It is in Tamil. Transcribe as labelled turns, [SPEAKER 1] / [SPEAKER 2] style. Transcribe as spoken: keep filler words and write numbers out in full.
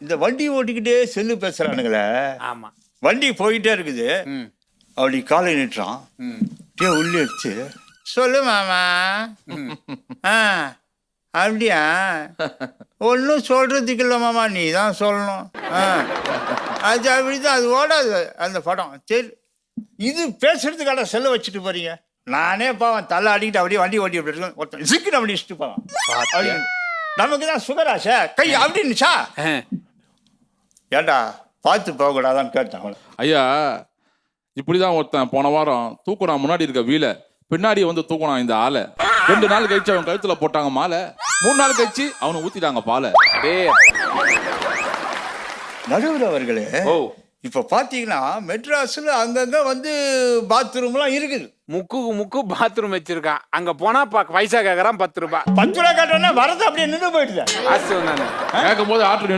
[SPEAKER 1] இந்த வண்டி ஓட்டிக்கிட்டே செல்லு பேசுறானுங்களே.
[SPEAKER 2] ஆமா.
[SPEAKER 1] வண்டி போயிட்டே இருக்குது. அப்படி காலை நிட்டுறான். டே உள்ளே வச்சு சொல்லு மாமா. ஆ அப்படியா? ஒன்றும் சொல்றதுக்கு இல்லை மாமா, நீ தான் சொல்லணும். ஆ அது அப்படிதான், அது ஓடாது அந்த படம். சரி, இது பேசுறதுக்கான செல்ல வச்சுட்டு போறீங்க. நானே பாவன் தலை அடிக்கிட்டு அப்படியே வண்டி ஓட்டி அப்படி இருக்கேன். ஒருத்தன் சிக்கன் அப்படி இஷ்டு போவான். அப்படி நமக்கு தான் சுகராசா கை அப்படின்னுச்சா. ஏண்டா பார்த்து போகக்கூடாதான்னு கேட்டான்.
[SPEAKER 3] ஐயா இப்படிதான் ஒருத்தன் போன வாரம் தூக்குனா முன்னாடி இருக்க வீல பின்னாடி வந்து தூக்குனான் இந்த ஆளை. ரெண்டு நாள் கழிச்சு அவன் கழுத்துல போட்டாங்க மாலை. மூணு நாள் கழிச்சு அவனை ஊத்திட்டாங்க பாலை.
[SPEAKER 1] நடுவர் அவர்களே,
[SPEAKER 2] ஓ
[SPEAKER 1] இப்ப பாத்தீங்கன்னா மெட்ராஸ்ல அங்கங்க வந்து பாத்ரூம் எல்லாம் இருக்குது.
[SPEAKER 2] முக்கு முக்கு பாத்ரூம் வச்சிருக்கான். அங்க போனா பைசா கேக்குறான் பத்து ரூபாய்.
[SPEAKER 1] பத்து ரூபா கட்டணா வரது அப்படியே நின்று போயிடுது.
[SPEAKER 2] காசு வந்தானே
[SPEAKER 3] கேட்கும் போது ஆற்று